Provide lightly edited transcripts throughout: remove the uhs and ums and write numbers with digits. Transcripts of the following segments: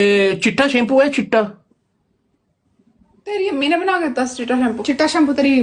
चिट्टा शैम्पू है चिट्टा। तेरी अम्मी ने बना के दिता चिट्टा शैम्पू तेरी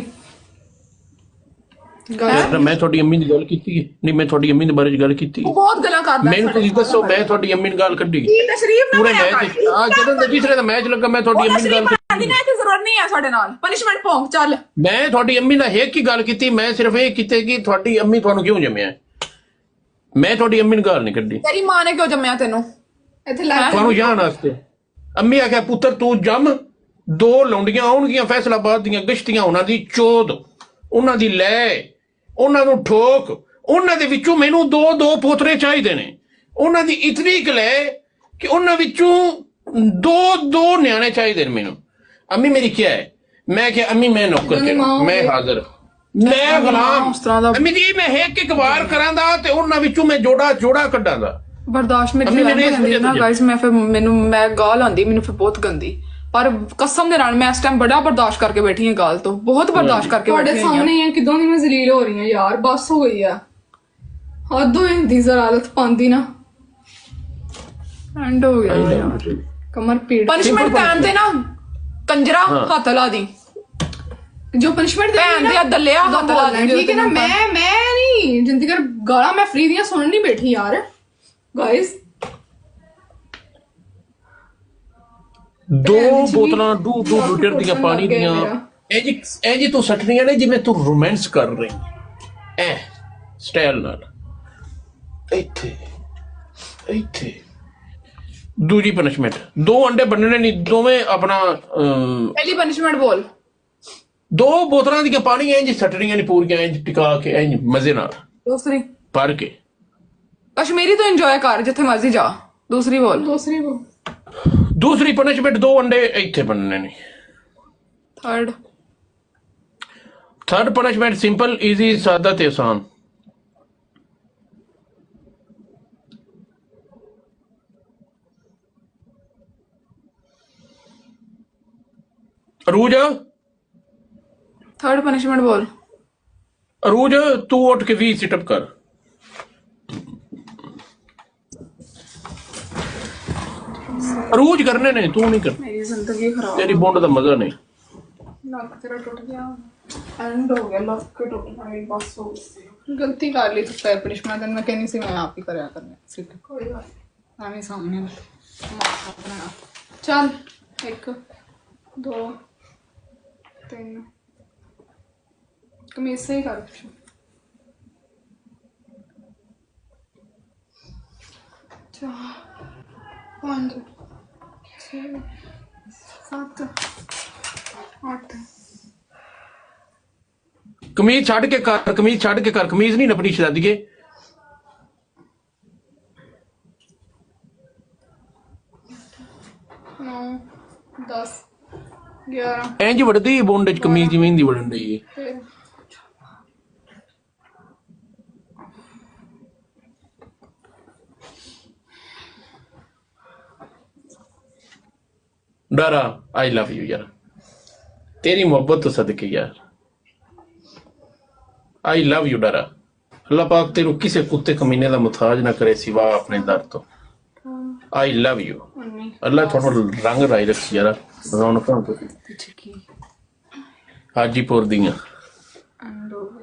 मैं थोड़ी अम्मी दी गल कीती है नहीं, मैं थोड़ी अम्मी दे बारे च गल कीती है। बहुत गल्लां करदा मैनू तुसीं दसो, मैं थोड़ी अम्मी दी गल कड्डी तशरीफ ना पूरे मैच आज जदों दा तीसरे दा मैच लगा मैं थोड़ी अम्मी दी गल दी ना ते जरूरत नहीं है साडे नाल पनिशमेंट पोंग चल। मैं थोड़ी अम्मी दा एक ही गल कीती, मैं सिर्फ ये कीते कि थोड़ी अम्मी तुहानू क्यों जम्मिया, मैं थोड़ी अम्मी दी गल नहीं कड्डी। तेरी मां ने क्यों जम्मिया तेनू इत्थे ला तुहानू जान वास्ते। अम्मी आख्या पुत्तर तू जम, दो लौंडियां आउणगियां फैसलाबाद दियां गश्तियां, उन्हां दी चोद, उन्हां दी लै, उन्हां नू ठोक, उन्हां दे विचों मैनू दो दो पोतरे चाहिए ने, उन्हां दी इतनी लै कि उन्हां विचों दो दो न्याणे चाहिए ने मैनू। अम्मी मेरी क्या है? मैं क्या अम्मी मैं नौकर तेरा, मैं हाजिर, मैं गुलाम। अम्मी जी मैं एक वार करांदा ते उन्हां विचों मैं जोड़ा जोड़ा कड्डांदा। बर्दाश्त मेरी ना गाइस, मैं फिर मैनू मैं गाल आंदी मैनू फिर बहुत गंदी, पर कसम दे नाल मैं इस टाइम बड़ा बर्दाश्त करके बैठी हां गाल तो, बहुत बर्दाश्त करके बैठी हां। सामने ही किदों दी मैं जलील हो रही हां यार, बस हो गई है हद हो जांदी जरालत पांदी ना, एंड हो गया यार कमर पीड़। पनिशमेंट टाइम ते ना कंजरा हाथ ला दी, जो पनिशमेंट दे ना दलिया हाथ ला दी, ठीक है ना। मैं नहीं जिंदगी कर गाला मैं फ्री दियां सुनन नहीं बैठी यार गाइस। दो बोतलां डू लीटर दियां पानी दियां ए जी तू सटनियां ने जिवें तू रोमांस कर रही ए स्टाइल नाल। इत्थे इत्थे दूजी पनिशमेंट, दो अंडे बनने नहीं दोवें अपना पहली पनिशमेंट बोल। दो बोतलां दियां पानी इंज सटनियां ने पूरियां इंज टिका के इंज मजे नाल। दूसरी भर के कश्मीरी तो एंजॉय कर जिथे मर्जी जा। दूसरी बोल। दूसरी पनिशमेंट दो अंडे इत्थे बनने नहीं। थर्ड पनिशमेंट सिंपल इजी सादा ते आसान। अरूज थर्ड पनिशमेंट बोल। अरूज तू उठ के 20 सिटअप कर। अरूज करने ने, तू नहीं कर। मेरी जिंदगी खराब, तेरी बॉन्ड का मजा नहीं। लक तेरा टूट गया, एंड हो गया, लक के टूट गया, बस हो गई। गलती कर ली तो फिर पनिशमेंट मैं कहनी सी मैं आप ही करया करने सिर्फ कोई बात नहीं सामने अपना। चल 1 2 3 कमीज से ही कर 4 5 6 7 8। कमीज छड़ के कर, कमीज छड़ के कर, कमीज नहीं नपनी शरादिए। 9 10 11 इंज वड़दी बोंड च कमीज जिवें दी वड़न रही है। डरा आई लव यू यार, तेरी मोहब्बत तो सदके यार, आई लव यू डरा। अल्लाह पाक तेरू किसी कुत्ते कमीने का मुताज ना करे सिवा अपने दर तो। I love you. अल्लाह थोड़ा रंग लाई रखी यार, रौनक हाजीपुर दियां।